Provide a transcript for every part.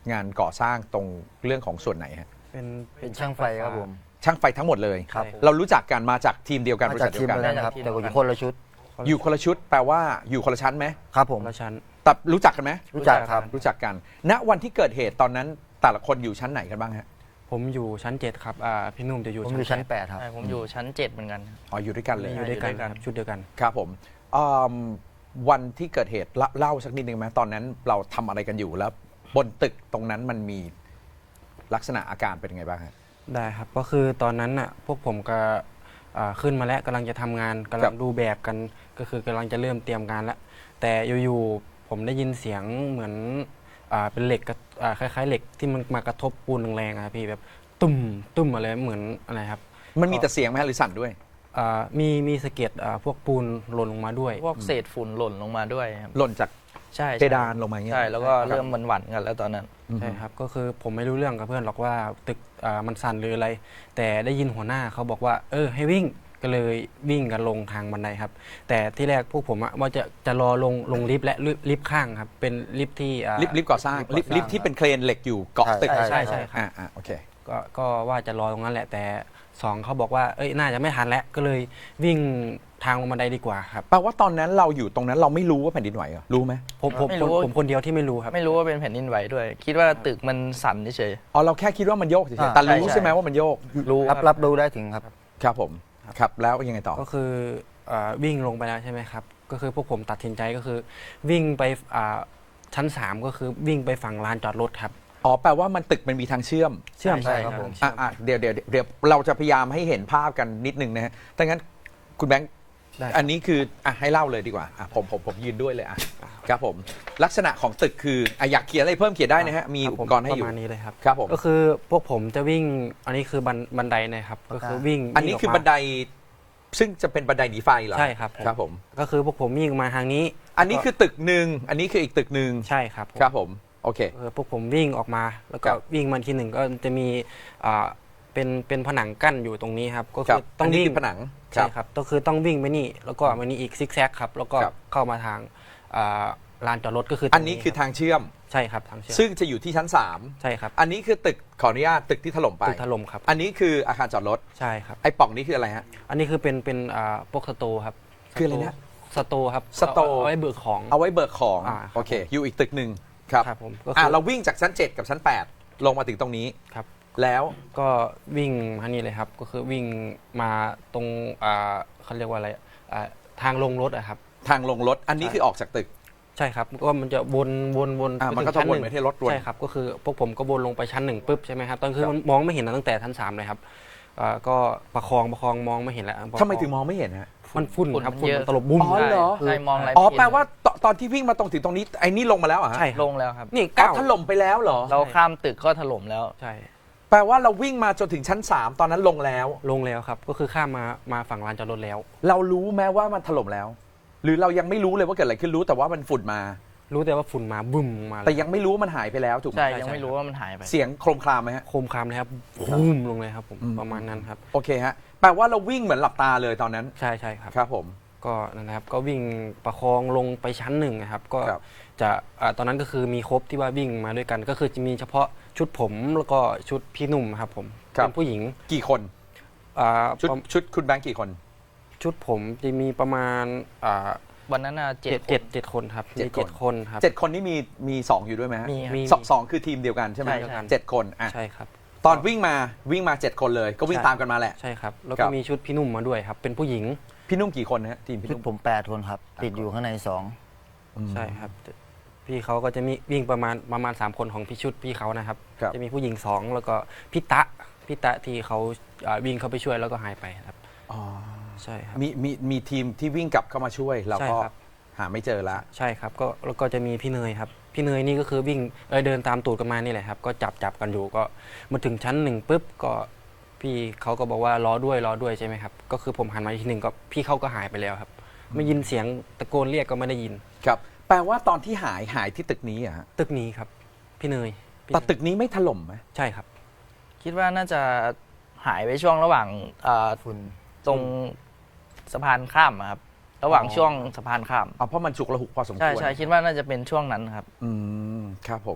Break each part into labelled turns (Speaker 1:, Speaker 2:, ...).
Speaker 1: งานก่อสร้างตรงเรื่องของส่วนไหนฮะ
Speaker 2: เป็นช่างไฟครับผม
Speaker 1: ช่างไฟทั้งหมดเลย
Speaker 2: ครับ
Speaker 1: เรารู้จักกันมาจากทีมเดียวกันบ
Speaker 2: มา
Speaker 1: ริ
Speaker 2: จา
Speaker 1: ษั
Speaker 2: ก
Speaker 1: ท
Speaker 2: ที
Speaker 1: เดียวกัน
Speaker 2: มเดียวกันครับแต่อยู่คนละชุด
Speaker 1: อยู่คนละชุดแปลว่าอยู่คนละชั้นไหม
Speaker 2: ครับผม
Speaker 3: ละชั้น
Speaker 1: แต่รู้จักกันไหม
Speaker 2: รู้จักครับ
Speaker 1: รู้จักกัน ณวันที่เกิดเหตุตอนนั้นแต่ละคนอยู่ชั้นไหนกันบ้างฮะ
Speaker 3: ผมอยู่ชั้น 7 ครับพี่นุ่มจะอยู่
Speaker 2: ผมอยู่ชั้น
Speaker 3: 8
Speaker 2: 8ครับ
Speaker 4: ใช่ผมอยู่ชั้น 7เหมือนกันครับ
Speaker 1: อ๋ออยู่ด้วยกันเลย
Speaker 3: อยู่ด้วยกัน
Speaker 4: อยู่ด้วยกัน
Speaker 3: ครับชุดเดียวกัน
Speaker 1: ครับผมอืมวันที่เกิดเหตุเล่าสักนิดนึงไหมตอนนั้นเราทำอะไรกันอยู่แล้ว บนตึกตรงนั้นมันมีลักษณะอาการเป็นยังไงบ้างฮะ
Speaker 3: ได้ครับก็คือตอนนั้นน่ะพวกผมก็ขึ้นมาแล้วกำลังจะทำงานกำ
Speaker 1: ครั
Speaker 3: ลั
Speaker 1: บ
Speaker 3: งดูแบบกันก็คือกำลังจะเริ่มเตรียมงานแล้วแต่อยู่ๆผมได้ยินเสียงเหมือนเป็นเหล็กคล้ายๆเหล็กที่มันมากระทบปูนแรงๆอะครับพี่แบบตุ้มตุ้มอะไรเหมือนอะไรครับ
Speaker 1: มันมีแต่เสียงไหมฮะหรือสั่นด้วย
Speaker 3: มีสะเก็ดพวกปูนหล่นลงมาด้วย
Speaker 4: พวกเศษฝุ่นหล่นลงมาด้วยครับ
Speaker 1: หล่นจาก
Speaker 4: ใช่
Speaker 1: เพดานลงมาอย่างเงี้ย
Speaker 4: ใช่แล้วก็เริ่มหวั่นๆกันแล้วตอนนั้น
Speaker 1: อืม
Speaker 3: ใช่ครับก็คือผมไม่รู้เรื่องกับเพื่อนหรอกว่าตึกมันสั่นหรืออะไร แต่ได้ยินหัวหน้าเขาบอกว่าให้วิ่งก็เลยวิ่งกันลงทางบันไดครับ แต่ที่แรกพวกผมว่าจะรอลงลิฟต์และลิฟต์ข้างครับเป็นลิฟต์ที่
Speaker 1: ลิฟต์ก่อสร้างลิฟต์ที่เป็นเครนเหล็กอยู่เกาะตึก
Speaker 3: ใช่ครับ
Speaker 1: โอเค
Speaker 3: ก็ว่าจะรอตรงนั้นแหละแต่สองเขาบอกว่าน่าจะไม่ทันแล้วก็เลยวิ่งทางลงบันไดดีกว่าครับ
Speaker 1: แปลว่าตอนนั้นเราอยู่ตรงนั้นเราไม่รู้ว่าแผ่นดินไหวเหรอรู้ไหม
Speaker 3: ผมคนเดียวที่ไม่รู้ครับ
Speaker 4: ไม่รู้ว่าเป็นแผ่นดินไหวด้วย คิดว่าตึกมันสั่นเฉย
Speaker 1: อ๋อเราแค่คิดว่ามันโยกเฉย
Speaker 2: อ่า
Speaker 1: ๆแต่รู้
Speaker 4: ใช่
Speaker 1: ใช่ไหมว่ามันโยก
Speaker 4: ๆรู้
Speaker 2: รับ
Speaker 4: ครับ
Speaker 2: รับรู้ได้ถึงครับ
Speaker 1: ครับผมครับแล้วยังไงต่อ
Speaker 3: ก็คือวิ่งลงไปแล้วใช่ไหมครับก็คือพวกผมตัดสินใจก็คือวิ่งไปชั้น 3 ก็คือวิ่งไปฝั่งลานจอดรถครับ
Speaker 1: อ๋อแปลว่ามันตึกมันมีทางเชื่อม
Speaker 3: เชื่อม
Speaker 2: ใช่ครับผม
Speaker 1: เดี๋ยวเราจะพยายามให้เห็นภาพกันนิดนึงนะฮะถ้างั้นคุณแบงค์
Speaker 3: ได้
Speaker 1: อันนี้คือให้เล่าเลยดีกว่าผมยืนด้วยเลยครับผมลักษณะของตึกคืออยากเขียนอะไรเพิ่มเขียนได้นะฮะมีอุปกรณ์ให้อยู่
Speaker 3: ประมาณนี้เลยครับ
Speaker 1: ครับผม
Speaker 3: ก็คือพวกผมจะวิ่งอันนี้คือบันไดนะครับก็คือวิ่ง
Speaker 1: อันนี้คือบันไดซึ่งจะเป็นบันไดหนีไฟเหรอ
Speaker 3: ใช่ครับ
Speaker 1: ครับผม
Speaker 3: ก็คือพวกผมวิ่งมาทางนี้
Speaker 1: อันนี้คือตึกหนึ่งอันนี้คืออีกตึกหนึ่ง
Speaker 3: ใช่ครับ
Speaker 1: ครับผมโอเค
Speaker 3: พวกผมวิ่งออกมาแล้วก็
Speaker 1: ครับ
Speaker 3: วิ่งมาทีหนึ่งก็จะมีเป็นผนังกั้นอยู่ตรงนี้ครับก็
Speaker 1: ครั
Speaker 3: คื
Speaker 1: บ
Speaker 3: อต้อง
Speaker 1: นนี้
Speaker 3: วิ่ง
Speaker 1: คือผนัง
Speaker 3: ใช่ครับก็คือต้องวิ่งไปนี่แล้วก็มานี่อีกซิกแซกครับแล้วก็
Speaker 1: ครับ
Speaker 3: เข้ามาทางลานจอดรถก็คือ
Speaker 1: อันนี้คือทางเชื่อม
Speaker 3: ใช่ครับทางเชื่อม
Speaker 1: ซึ่งจะอยู่ที่ชั้น
Speaker 3: ใช่ครับ
Speaker 1: 3 อันนี้คือตึกขออนุญาตตึกที่ถล่มไป
Speaker 3: ตึกถล่มครับ
Speaker 1: อันนี้คืออาคารจอดรถ
Speaker 3: ใช่ครับ
Speaker 1: ไอ้ปล่องนี้คืออะไรฮะ
Speaker 3: อันนี้คือเป็นพวกสโตร์ครับ
Speaker 1: คืออะไรนะ
Speaker 3: สโตร์ครับ
Speaker 1: สโตร์
Speaker 3: เอาไว้เบิกของ
Speaker 1: เอาไว้เบิกของ
Speaker 3: ครับ
Speaker 1: โอเค อยู่อีกตึกหนึ่งครับ
Speaker 3: ครับผมก็คือ
Speaker 1: เราวิ่งจากชั้น 7 กับชั้น 8 ลงมาถึงตรงนี้
Speaker 3: ครับ
Speaker 1: แล้ว
Speaker 3: ก็วิ่งมานี่เลยครับก็คือวิ่งมาตรงเขาเรียกว่าอะไรทางลงรถอะครับ
Speaker 1: ทางลงรถอันนี้คือออกจากตึก
Speaker 3: ใช่ครับก็มันจะวน
Speaker 1: มันก็
Speaker 3: ไปถึง
Speaker 1: จะ
Speaker 3: ชั้
Speaker 1: วน
Speaker 3: หง
Speaker 1: ไปที่รถวน
Speaker 3: ใช่ครับก็คือพวกผมก็วนลงไปชั้น 1ปุ๊บใช่ไหมครับตอนคือ
Speaker 1: ครับ
Speaker 3: มันมองไม่เห็นตั้งแต่ชั้น 3เลยครับก็ประคองมองไม่เห็นแล้ว
Speaker 1: ทำไมถึงมองไม่เห็นฮะ
Speaker 3: มันฝุ่นครับ
Speaker 4: ฝุ่นมันเยอะ
Speaker 3: ฝุ่นมันตลบบุ้ม
Speaker 1: อ๋อเหรอ
Speaker 4: ใช่มองอะไร
Speaker 1: อ๋อ
Speaker 4: ไม่เห็น
Speaker 1: แปลว่าตอนที่วิ่งมาตรงถึงตรงนี้ไอ้นี่ลงมาแล้วเหรอฮะ
Speaker 3: ใช่ครับ
Speaker 4: ลงแล้วครับ
Speaker 3: นี่
Speaker 1: อ๋อ
Speaker 3: ก้าว
Speaker 1: ถล่มไปแล้วเหรอ
Speaker 4: เราข้ามตึกก็ถล่มแล้ว
Speaker 3: ใช่
Speaker 1: แปลว่าเราวิ่งมาจนถึงชั้น 3 ตอนนั้นลงแล้ว
Speaker 3: ลงแล้วครับก็คือข้ามมาฝั่งลานจอดรถแล้ว
Speaker 1: เรารู้แม้ว่ามันถล่มแล้ว หรือเรายังไม่รู้เลยว่าเกิดอะไรขึ้นรู้แต่ว่ามันฝุ่นมา
Speaker 3: รู้แต่ว่าฝุ่นมาบึ้มมาเลย
Speaker 1: แต่ยังไม่รู้ว่ามันหายไปแล้วถูกไหม
Speaker 4: ใช่ยังไม่รู้ว่ามันหายไป
Speaker 1: เสียงโครมครามไหมฮะ
Speaker 3: โคมคามเลยครับบุ้มลงเลยครับผม
Speaker 1: อืม
Speaker 3: ประมาณนั้นครับ
Speaker 1: โอเคฮะแปลว่าเราวิ่งเหมือนหลับตาเลยตอนนั้น
Speaker 3: ใช่ครับ
Speaker 1: ครับผม
Speaker 3: ก็นั่นนะครับก็วิ่งประคองลงไปชั้น 1นะครับก็
Speaker 1: ครับ
Speaker 3: จะตอนนั้นก็คือมีครบที่ว่าวิ่งมาด้วยกัน ก็คือจะมีเฉพาะชุดผมแล้วก็ชุดพี่หนุ่มครับผมเป็นผู้หญิง
Speaker 1: กี่คน
Speaker 3: อ่า
Speaker 1: ชุดคุณแบงค์กี่คน
Speaker 3: ชุดผมจะมีประมาณ
Speaker 4: วันนั้นน่ะ
Speaker 3: เจ็
Speaker 4: เจ็ด
Speaker 3: ดคนครับ
Speaker 1: เจ็ด
Speaker 3: มี
Speaker 1: คน
Speaker 3: 7 คนครับ
Speaker 1: 7 คนนี่มี2อยู่ด้วยไหมฮะ
Speaker 4: มี
Speaker 3: มี
Speaker 1: สองคือทีมเดียวกันใช่ไหม
Speaker 4: ใช่ใช่
Speaker 1: 7 คนอ่ะ
Speaker 3: ใช่ครับ
Speaker 1: ตอนวิ่งมา7 คนเลยก็วิ่ง
Speaker 3: ใช่
Speaker 1: ตามกันมาแหละ
Speaker 3: ใช่ครับ แล้ว
Speaker 1: ครั
Speaker 3: ก็
Speaker 1: บ
Speaker 3: มีชุดพี่หนุ่มมาด้วยครับ เป็นผู้หญิง
Speaker 1: พี่นุ่มกี่คนนะฮะทีมพี่
Speaker 2: ชุด
Speaker 1: นุ่ม
Speaker 2: ผม8คนครับ ติดอยู่ข้างใน
Speaker 3: ใช่ครับพี่เขาก็จะมีวิ่งประมาณ3 คนของพี่ชุดพี่เขานะครับ
Speaker 1: ครับ
Speaker 3: จะมีผู้หญิง 2 แล้วก็พี่ตะที่เขาวิ่งเข้าไปช่วยแล้วก็หายไปครับ
Speaker 1: อ๋อ
Speaker 3: ใช่ครับ
Speaker 1: มีทีมที่วิ่งกลับเข้ามาช่วยเรา
Speaker 3: ใช่
Speaker 1: ก็
Speaker 3: ครับ
Speaker 1: หาไม่เจอละ
Speaker 3: ใช่ครับก็แล้วก็จะมีพี่เนยครับพี่เนยนี่ก็คือวิ่งเดินตามตูดกันมานี่แหละครับก็จับกันอยู่ก็มาถึงชั้น 1ปุ๊บก็พี่เขาก็บอกว่ารอด้วยใช่ไหมครับก็คือผมหันมาอีกทีหนึ่งก็พี่เขาก็หายไปแล้วครับไม่ยินเสียงตะโกนเรียกก็ไม่ได้ยิน
Speaker 1: ครับแปลว่าตอนที่หายที่ตึกนี้อะฮะ
Speaker 3: ตึกนี้ครับพี่เนย
Speaker 1: แต่ตึกนี้ไม่ถล่มไหม
Speaker 3: ใช่ครับ
Speaker 4: คิดว่าน่าจะหายไปช่วงระหว่าง
Speaker 2: 2ฝุ่น
Speaker 4: ตรงสะพานข้ามอะครับ ระหว่างช่วงสะพานข้าม
Speaker 1: เพราะมันฉุกระหุกพอสมควร
Speaker 4: ใช่คิดว่าน่าจะเป็นช่วงนั้นครับ
Speaker 1: ครับผม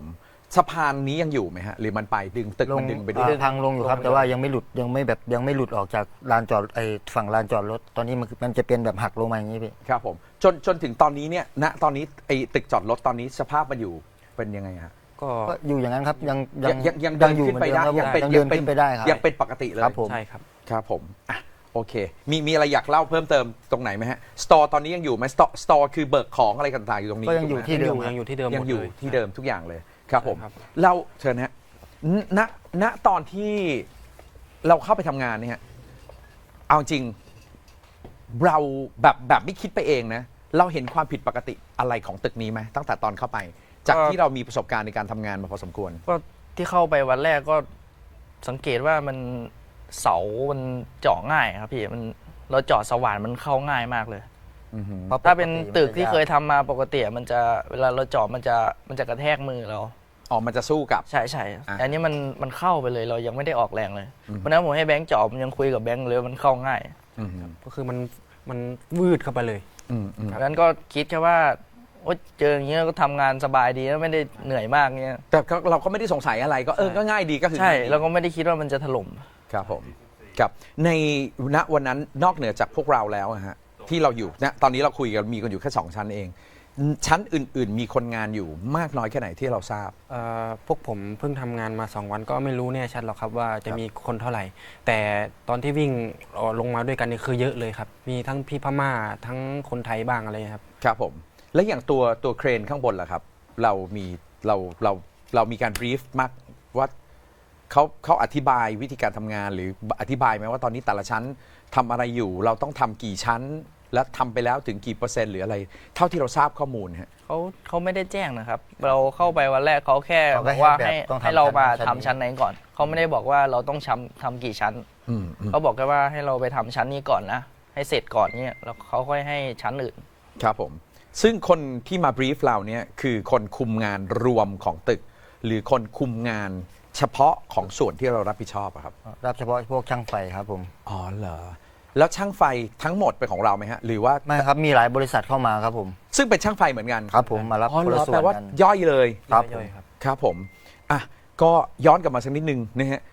Speaker 1: สะพานนี้ยังอยู่ไหมฮะหรือมันไปดึงตึกมันดึงไปด้วย
Speaker 2: พังลงอยู่ครับ แต่ว่ายังไม่หลุดยังไม่หลุดออกจากลานจอดฝั่งลานจอดรถตอนนี้มันจะเป็นแบบหักลงมาอย่างนี้พี่
Speaker 1: ครับผมจนถึงตอนนี้เนี่ยณตอนนี้ไอ้ตึกจอดรถตอนนี้สภาพมันอยู่เป็นยังไงฮะ
Speaker 3: ก็
Speaker 2: ก็อยู่อย่างนั้นครับยัง
Speaker 1: ยังเดิน
Speaker 2: อยู่
Speaker 1: ขึ้นไปได้
Speaker 2: เหมือนเดิมครับ
Speaker 1: เป็น
Speaker 2: ยังเดินขึ้นไปได้ครับ
Speaker 1: ยังเป็นปกติเลย
Speaker 2: ครับผม
Speaker 3: ใช่ครับ
Speaker 1: ครับผมอ่ะโอเคมีอะไรอยากเล่าเพิ่มเติมตรงไหนไหมฮะสตอร์ตอนนี้ยังอยู่ไหมสตอร์คือเบิกของอะไรต่างๆอยู่ตรงนี้
Speaker 2: ก็ยังอยู่
Speaker 1: ถูกไหม
Speaker 2: ที่เดิม
Speaker 3: ยังอยู่ที่เดิมหม
Speaker 1: ยัง
Speaker 3: ด
Speaker 1: อยู่
Speaker 3: เลย
Speaker 1: ที่เดิมทุกอย่างเลยครับผม
Speaker 3: ใช่ครับ
Speaker 1: เราเชิญนะฮะณณตอนที่เราเข้าไปทำงานเนี่ยฮะเอาจริงเราแบบไม่คิดไปเองนะเราเห็นความผิดปกติอะไรของตึกนี้ไหมตั้งแต่ตอนเข้าไป จากที่เรามีประสบการณ์ในการทำงานมาพอสมควร
Speaker 4: ก็ที่เข้าไปวันแรกก็สังเกตว่ามันเสามันเจาะง่ายครับพี่มันเราเจาะสว่านมันเข้าง่ายมากเลย
Speaker 1: อือหือ
Speaker 2: พระ
Speaker 4: ถ้าเป็น
Speaker 2: ปก
Speaker 4: ตึกที่
Speaker 2: มันจะ
Speaker 4: เคยทำมาปกติมันจะเวลาเราเจาะมันจะกระแทกมือเรา
Speaker 1: อ๋อมันจะสู้กับ
Speaker 4: ใช่ใช่
Speaker 1: อ่ะ
Speaker 4: อันนี้มันเข้าไปเลยเรายังไม่ได้ออกแรงเลย
Speaker 1: อืม
Speaker 4: เพราะฉะนั้นผมให้แบงค์เจาะผมยังคุยกับแบงค์เลยว่ามันเข้าง่าย
Speaker 1: อือหือ
Speaker 3: ก็คือมันวืดเข้าไปเลย
Speaker 1: อืม
Speaker 4: เพราะฉะนั้นก็คิดแค่ว่าโอ๊ยเจออย่างเงี้ยก็ทำงานสบายดีแล้วไม่ได้เหนื่อยมากเงี้ย
Speaker 1: แต่ก็เราก็ไม่ได้สงสัยอะไรก็ก็ง่ายดีก็คือ
Speaker 4: ใช่
Speaker 1: ง่ายดี
Speaker 4: เราก็ไม่ได้คิดว่ามันจะถล่ม
Speaker 1: ครับผมครับในณวันนั้นนอกเหนือจากพวกเราแล้วอะฮะที่เราอยู่นะตอนนี้เราคุยกันมีกันอยู่แค่2ชั้นเอง ชั้นอื่น ๆ มีคนงานอยู่มากน้อยแค่ไหนที่เราทราบ
Speaker 3: พวกผมเพิ่งทำงานมา 2 วันก็ไม่รู้แน่ชัดหรอกครับว่าจะมีคนเท่าไหร่ แต่ตอนที่วิ่งลงมาด้วยกันนี่คือเยอะเลยครับ มีทั้งพี่พม่าทั้งคนไทยบ้างอะไรครับ
Speaker 1: ครับผมและอย่างตัวเครนข้างบนล่ะครับ เรามีเรามีการบรีฟมากว่าเขาอธิบายวิธีการทำงานหรืออธิบายไหมว่าตอนนี้แต่ละชั้นทำอะไรอยู่เราต้องทำกี่ชั้น และทำไปแล้วถึงกี่เปอร์เซ็นต์หรืออะไร เท่าที่เราทราบข้อมูลฮะ
Speaker 4: เขาไม่ได้แจ้งนะครับ เราเข้าไปวันแรกเขาแค่
Speaker 2: เขา
Speaker 4: บ
Speaker 2: ก็
Speaker 4: อกว่า
Speaker 2: ให้
Speaker 4: ให้
Speaker 2: แบบต้องทำ
Speaker 4: ให้เรามา
Speaker 2: ชั้น
Speaker 4: ทำ
Speaker 2: นี้
Speaker 4: ชั้นไหนก่อน เขาไม่ได้บอกว่าเราต้องทำกี่ชั้น
Speaker 1: อืม
Speaker 4: เขาบอกแค่ว่าให้เราไปทำชั้นนี้ก่อนนะ ให้เสร็จก่อนเนี่ยแล้วเขาค่อยให้ชั้นอื่น
Speaker 1: ครับผมซึ่งคนที่มาบรีฟเราเนี่ยคือคนคุมงานรวมของตึก หรือคนคุมงานเฉพาะของส่วนที่เรารับผิดชอบอะครับ
Speaker 2: รับเฉพาะพวกช่างไฟครับผม
Speaker 1: อ๋อเหรอแล้วช่างไฟทั้งหมดเป็นของเราไหมฮะหรือว่า
Speaker 2: ไม่ครับมีหลายบริษัทเข้ามาครับผม
Speaker 1: ซึ่งเป็นช่างไฟเหมือนกัน
Speaker 2: ครับผมมารับ
Speaker 1: อ๋อ
Speaker 2: คน
Speaker 1: เหร
Speaker 2: ละ
Speaker 1: อ
Speaker 2: ส่ว
Speaker 1: แปล
Speaker 2: น
Speaker 1: ว่า
Speaker 2: กัน
Speaker 1: ย่อยเลย
Speaker 2: ครับผม
Speaker 3: ย่อยๆครับ
Speaker 1: ครับผมอ่ะก็ย้อนกลับมาสักนิดนึงนะฮะ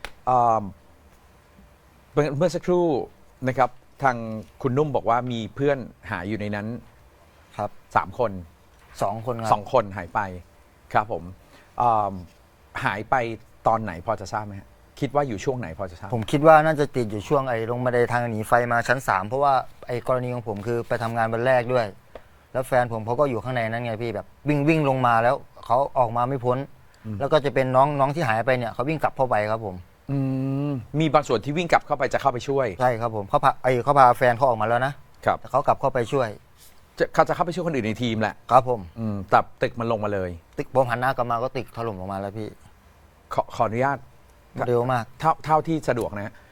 Speaker 1: เมื่อสักครู่นะครับทางคุณนุ่มบอกว่ามีเพื่อนหายอยู่ในนั้น
Speaker 2: ครับ
Speaker 1: 3 คน
Speaker 2: 2 คนครับ
Speaker 1: 2 คนหายไปครับผมหายไปตอนไหนพอจะทราบไหมฮะคิดว่าอยู่ช่วงไหนพอจะทราบ
Speaker 2: ผมคิดว่าน่าจะติดอยู่ช่วงลงบันไดทางหนีไฟมาชั้น 3 เพราะว่ากรณีของผมคือไปทำงานวันแรกด้วย แล้วแฟนผมเขาก็อยู่ข้างในนั้นไงพี่แบบวิ่งลงมาแล้วเขาออกมาไม่พ้น แล้วก็จะเป็นน้องที่หายไปเนี่ยเขาวิ่งกลับเข้าไปครับผม
Speaker 1: มีบางส่วนที่วิ่งกลับเข้าไปจะเข้าไปช่วย
Speaker 2: ใช่ครับผมเขาพาแฟนเขาออกมาแล้วนะครับ แต่เขากลับเข้าไปช่วย
Speaker 1: เขาจะเข้าไปช่วยคนอื่นในทีมแหละ
Speaker 2: ครับผม
Speaker 1: แต่ตึกมันลงมาเลย
Speaker 2: ตึกผมหันหน้ากลับมาก็ตึกถล่มลงมาแล้วพี่
Speaker 1: ขออนุญาต
Speaker 2: เร็วมาก
Speaker 1: เท่าที่สะดวกนะฮะ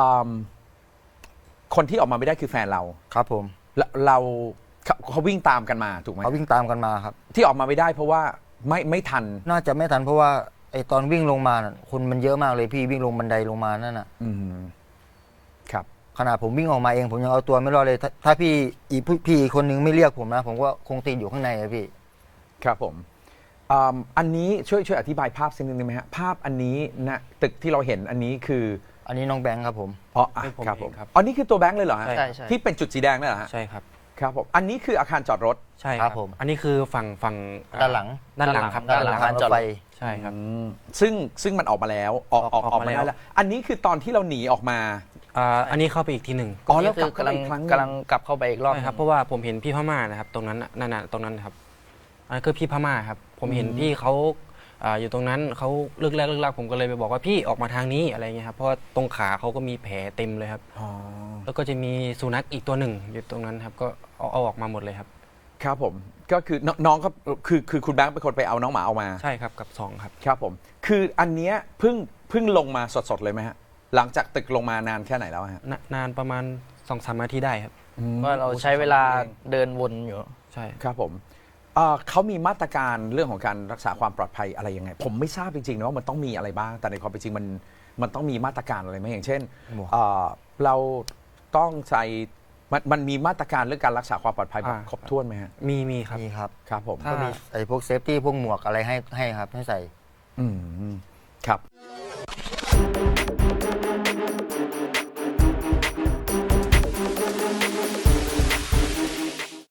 Speaker 1: คนที่ออกมาไม่ได้คือแฟนเรา
Speaker 2: ครับผม
Speaker 1: แล้วเขาวิ่งตามกันมาถูกไหม
Speaker 2: เขาวิ่งตามกันมาครับ
Speaker 1: ที่ออกมาไม่ได้เพราะว่าไม่ทัน
Speaker 2: น่าจะไม่ทันเพราะว่าตอนวิ่งลงมาน่ะคนมันเยอะมากเลยพี่วิ่งลงบันไดลงมานั่นน่ะ
Speaker 1: ครับ
Speaker 2: ขนาดผมวิ่งออกมาเองผมยังเอาตัวไม่รอดเลย ถ้าพี่อีกคนนึงไม่เรียกผมนะ ผมก็คงติดอยู่ข้างในอะพี่
Speaker 1: ครับผมอันนี้ช่วยอธิบายภาพสักนิดนึงไหมฮะภาพอันนี้นะตึกที่เราเห็นอันนี้คือ
Speaker 2: อันนี้น้องแบงค์ครับผม
Speaker 1: อ๋อ
Speaker 3: เป็นผม
Speaker 1: ครับ
Speaker 3: เอ
Speaker 1: ผม
Speaker 3: งครับ
Speaker 1: อันนี้คือตัวแบงค์เลยเหรอฮะ
Speaker 3: ใช่
Speaker 4: ใช่ใช่
Speaker 1: ที่เป็นจุดสีแดงนั่นเหรอฮะ
Speaker 3: ใช่ครับ
Speaker 1: ครับผมอันนี้คืออาคารจอดรถ
Speaker 3: ใช่
Speaker 2: ค
Speaker 3: ค
Speaker 2: รั
Speaker 3: รั
Speaker 2: บบ ผม
Speaker 3: อันนี้คือฝั่ง
Speaker 2: ด้านหลัง
Speaker 3: ด้านหลังครับ
Speaker 4: ด้านหลัง
Speaker 2: ทางรถไฟ
Speaker 3: ใช่ครับ
Speaker 1: ซึ่งมันออกมาแล้วออกมาได้แล้วอันนี้คือตอนที่เราหนีออกมา
Speaker 3: อันนี้เข้าไปอีกทีหนึ่ง
Speaker 1: อ๋อแล้ว
Speaker 4: นี่คื
Speaker 1: กลับเข้าไปอีกครั้งหนึ่ง
Speaker 4: กำลังกลับเข้าไปอีกรอบ
Speaker 3: ใช่ครับเพราะว่าผมเห็นพี่พม่านะครับตรงนั้นน่ะนั่นน่ะตรงนั้นนะครับอันนั้นคือพี่พม่าครับผมเห็นพี่เขาอยู่ตรงนั้นเขาเลิกแรกผมก็เลยไปบอกว่าพี่ออกมาทางนี้อะไรเงี้ยครับเพราะว่าตรงขาเขาก็มีแผลเต็มเลยครับ
Speaker 1: อ๋อ
Speaker 3: แล้วก็จะมีสุนัขอีกตัวหนึ่งอยู่ตรงนั้นครับก็เอาออกมาหมดเลยครับ
Speaker 1: ครับผมก็คือน้องก็คือคุณแบงค์เป็นคนไปเอาน้องหมาเอามา
Speaker 3: ใช่ครับกับ2ครับ
Speaker 1: ครับผมคืออันเนี้ยเพิ่งลงมาสดๆเลยไหมฮะหลังจากตึกลงมานานแค่ไหนแล้วฮะ
Speaker 3: นานประมาณ 2-3 นาทีได้ครับ
Speaker 4: ว่าเราใช้เวลาเดินวนอยู่
Speaker 3: ใช่
Speaker 1: ครับผมเขามีมาตรการเรื่องของการรักษาความปลอดภัยอะไรยังไง ผมไม่ทราบจริงๆนะว่ามันต้องมีอะไรบ้าง แต่ในความเป็นจริงมันต้องมีมาตรการอะไรไหมอย่างเช่น
Speaker 2: หมวก
Speaker 1: เราต้องใส่มันมีมาตรการเรื่องการรักษาความปลอดภัยแบบครบถ้วนไหมฮะ
Speaker 3: มีครับ
Speaker 2: นี่ครับ
Speaker 1: ครับผม
Speaker 3: ถ้า
Speaker 2: ก็มีพวกเซฟตี้พวกหมวกอะไรให้ครับให้ใส่
Speaker 1: อืม